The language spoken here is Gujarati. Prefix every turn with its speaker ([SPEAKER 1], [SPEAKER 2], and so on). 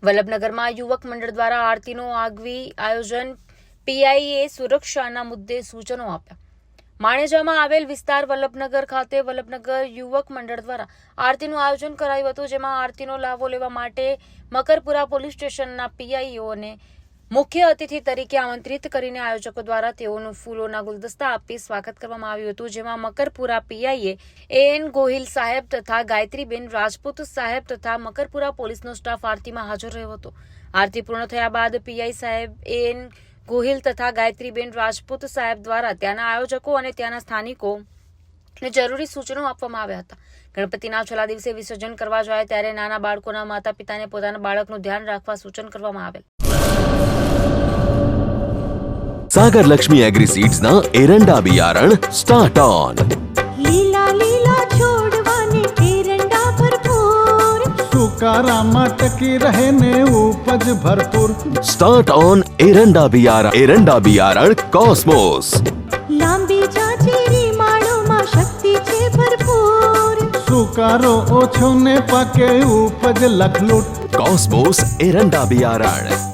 [SPEAKER 1] વલ્લભનગરમાં યુવક મંડળ દ્વારા આરતીનું આગવી આયોજન, પીઆઈએ સુરક્ષાના મુદ્દે સૂચનો આપ્યા। માણેજામાં આવેલ વિસ્તાર વલ્લભનગર ખાતે વલ્લભનગર યુવક મંડળ દ્વારા આરતીનું આયોજન કરાયું હતું, જેમાં આરતીનો લાભો લેવા માટે મકરપુરા પોલીસ સ્ટેશનના પીઆઈઓને મુખ્ય અતિથિ તરીકે આમંત્રિત કરીને આયોજકો દ્વારા તેઓનું ફૂલોના ગુલદસ્તા આપી સ્વાગત કરવામાં આવ્યું હતું, જેમાં મકરપુરા પીઆઈએ એન ગોહિલ સાહેબ તથા ગાયત્રીબેન રાજપૂત સાહેબ તથા મકરપુરા પોલીસનો સ્ટાફ આરતીમાં હાજર રહ્યો હતો। આરતી પૂર્ણ થયા બાદ પીઆઈ સાહેબ એન ગોહિલ તથા ગાયત્રીબેન રાજપૂત સાહેબ દ્વારા ત્યાંના આયોજકો અને ત્યાંના સ્થાનિકોને જરૂરી સૂચનો આપવામાં આવ્યા હતા। ગણપતિના છેલ્લા દિવસે વિસર્જન કરવા જાય ત્યારે નાના બાળકોના માતા પિતાને પોતાના બાળકનું ધ્યાન રાખવા સૂચન કરવામાં આવેલ।
[SPEAKER 2] सागर लक्ष्मी एग्रीसीड्स ना एरंडा बियारण स्टार्ट ऑन।
[SPEAKER 3] લીલા લીલા છોડવાને એરંડા ભરપૂર,
[SPEAKER 4] સુકારામાં ટકી રહે ને ઉપજ ભરપૂર।
[SPEAKER 2] स्टार्ट ऑन एरंडा बियारण कॉस्मोस।
[SPEAKER 3] લાંબી જાચેરી માળોમાં શક્તિ છે ભરપૂર,
[SPEAKER 4] સુકારો ઓછો ને પાકે ઉપજ લખલૂટ।
[SPEAKER 2] कॉस्मोस एरंडा बियारण।